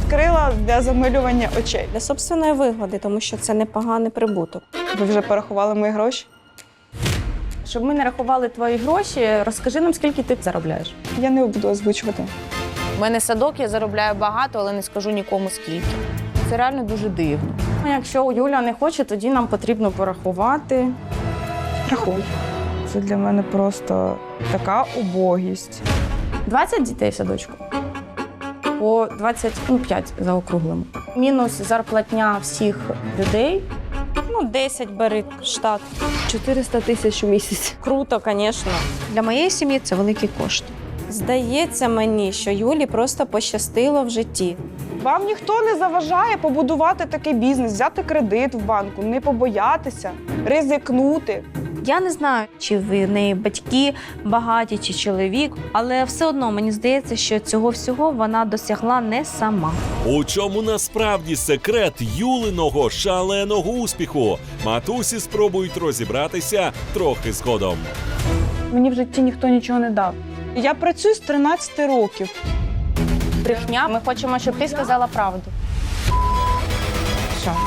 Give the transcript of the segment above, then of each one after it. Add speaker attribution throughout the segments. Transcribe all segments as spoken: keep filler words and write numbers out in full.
Speaker 1: відкрила для замилювання очей.
Speaker 2: Для собственної вигоди, тому що це непоганий прибуток.
Speaker 1: Ви вже порахували мої гроші?
Speaker 2: Щоб ми не рахували твої гроші, розкажи нам, скільки ти заробляєш.
Speaker 1: Я не буду озвучувати.
Speaker 3: У мене садок, я заробляю багато, але не скажу нікому скільки. Це реально дуже дивно.
Speaker 2: Ну, якщо Юля не хоче, тоді нам потрібно порахувати.
Speaker 1: Рахуй. Це для мене просто така убогість.
Speaker 2: двадцять дітей в садочку. По двадцять п'ять заокруглимо. Мінус зарплатня всіх людей. Ну, десять бери штат.
Speaker 4: чотириста тисяч у місяць.
Speaker 2: Круто, звісно.
Speaker 4: Для моєї сім'ї це великий кошт.
Speaker 2: Здається мені, що Юлі просто пощастило в житті.
Speaker 1: Вам ніхто не заважає побудувати такий бізнес, взяти кредит в банку, не побоятися, ризикнути.
Speaker 4: Я не знаю, чи в неї батьки багаті, чи чоловік, але все одно мені здається, що цього всього вона досягла не сама.
Speaker 5: У чому насправді секрет Юлиного шаленого успіху? Матусі спробують розібратися трохи згодом.
Speaker 1: Мені в житті ніхто нічого не дав. Я працюю з тринадцяти років.
Speaker 2: Брехня, ми хочемо, щоб ти сказала правду.
Speaker 1: Що?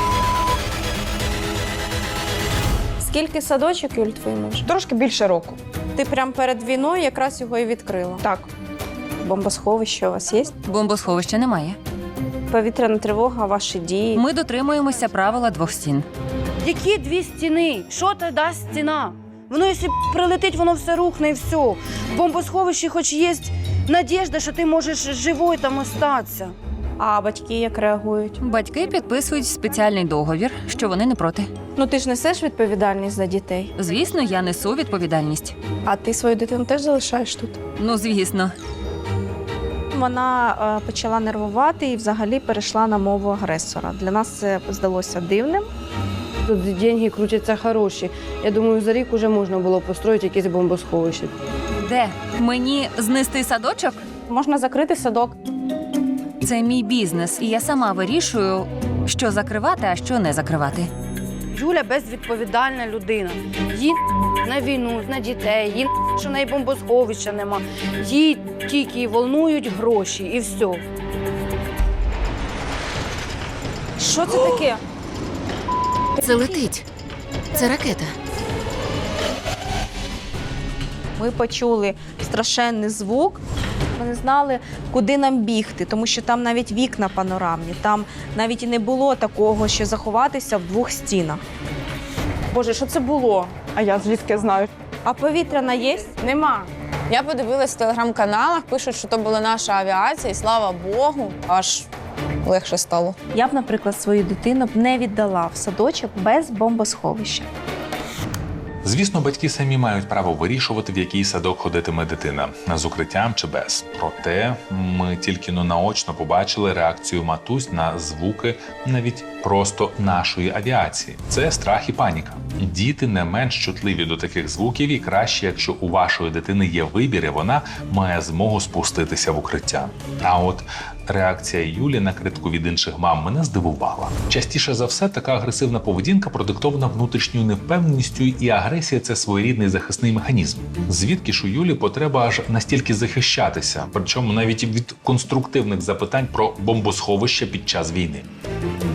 Speaker 2: Скільки садочок, Юль, твій муж?
Speaker 1: Трошки більше року.
Speaker 2: Ти прямо перед війною якраз його і відкрила.
Speaker 1: Так.
Speaker 2: Бомбосховище у вас є?
Speaker 6: Бомбосховища немає.
Speaker 2: Повітряна тривога, ваші дії.
Speaker 6: Ми дотримуємося правила двох стін.
Speaker 7: Які дві стіни? Що то дасть стіна? Воно, якщо прилетить, воно все рухне і все. В бомбосховищі хоч є надіжда, що ти можеш живою там остатися.
Speaker 2: А батьки як реагують?
Speaker 6: Батьки підписують спеціальний договір, що вони не проти.
Speaker 2: Ну ти ж несеш відповідальність за дітей.
Speaker 6: Звісно, я несу відповідальність.
Speaker 2: А ти свою дитину теж залишаєш тут?
Speaker 6: Ну, звісно.
Speaker 2: Вона е, почала нервувати і взагалі перейшла на мову агресора. Для нас це здалося дивним.
Speaker 7: Тут деньги крутяться хороші. Я думаю, за рік вже можна було построїти якесь бомбосховище.
Speaker 6: Де? Мені знести садочок?
Speaker 2: Можна закрити садок.
Speaker 6: Це мій бізнес, і я сама вирішую, що закривати, а що не закривати.
Speaker 7: Юля безвідповідальна людина. Їй на війну, на дітей, їй що в неї бомбосховища нема. Їй тільки волнують гроші і все.
Speaker 2: Що це таке?
Speaker 8: Це летить. Це ракета.
Speaker 2: Ми почули страшенний звук. Ми не знали, куди нам бігти, тому що там навіть вікна панорамні. Там навіть і не було такого, що заховатися в двох стінах. Боже, що це було?
Speaker 1: А я звідки знаю?
Speaker 2: А повітряна є?
Speaker 3: Нема. Я подивилась в телеграм-каналах, пишуть, що то була наша авіація, і слава Богу, аж легше стало.
Speaker 4: Я б, наприклад, свою дитину б не віддала в садочок без бомбосховища.
Speaker 9: Звісно, батьки самі мають право вирішувати, в який садок ходитиме дитина – з укриттям чи без. Проте ми тільки но наочно побачили реакцію матусь на звуки навіть просто нашої авіації. Це страх і паніка. Діти не менш чутливі до таких звуків, і краще, якщо у вашої дитини є вибір, і вона має змогу спуститися в укриття. А от реакція Юлі на критику від інших мам мене здивувала. Частіше за все, така агресивна поведінка продиктована внутрішньою невпевненістю, і агресія – це своєрідний захисний механізм. Звідки ж у Юлі потреба аж настільки захищатися, причому навіть від конструктивних запитань про бомбосховище під час війни?